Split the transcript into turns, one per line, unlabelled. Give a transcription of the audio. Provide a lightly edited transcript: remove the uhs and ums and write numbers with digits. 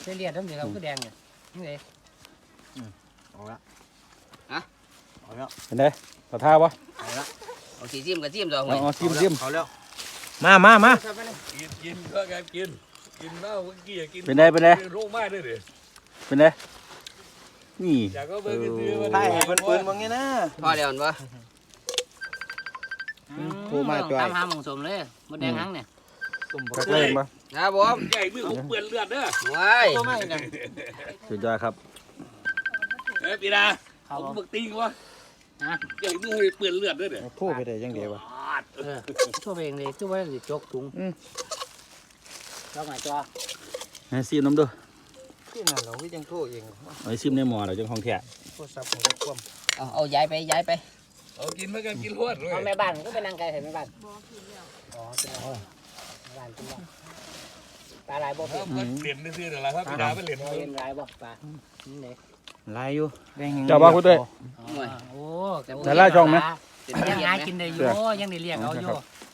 เลียดทั้งเดียวก็แดงเนี่ยนี่เลย
เอาละ
ฮะ
เอาแล้ว
เห็นไหมต่อท่าปะ
เอาสีจิ้มกับจิ้มตัวหอย
อ๋อซิม
เอาแล้ว
มา
กินก็การกินเหล้าเมื่อกี้กิน
เป็นไง
โรคมากด้วยดิ
เป็นไงนี่
อยากก็เบิ่งกันซื้อมา
ได้เปิ้นปืนมึงไงนะ
พอเดี๋ยวมันวะ
โทรมาจ่อย
ตามหาหมองสมเลยมดแดงหังเนี่ย
ตุ่ม
กักเล่นปะ
ครับผม
ใหญ่มือผมเปื้อนเลือดเด้อ
ว้าย
สุดยอดครับ
ปีนาผมบึกติงวะใหญ่มือเปื้อนเลือดด้วยเด้อ
โทรไปได้ยังเดียววะ
ทั่วเองเลยทั่วไปเลยจกถุงจกหน่อยจ้า
ให้ซิมน้ำด้วย
ที่นั่นเราก็ยังโทรเอง
เอาซิมในหม้อเราจังของแท้
โทรศัพท์ของเราคว่ำ
เอาย้ายไปย้ายไป
เอากินมากันกินรวดเลย
เอาแม่บ้านก็ไปนั่งไกลเห็นแม่บ้านอ๋อเป็นไรแม่บ้านเป็นไรปลาลายบ่เป็น
มันเหรียญซื้อเดี๋ยวละครับปีนาเป็นเหรียญ
เป็นลายบ่ปลานี่เลย
ลายอยู่แดง
เจ้าบ้าคุณด้วย
โอ้
แต่ละช่องไหม
ยังหากินได้อยู่ยังได้เรียกเอาอยู่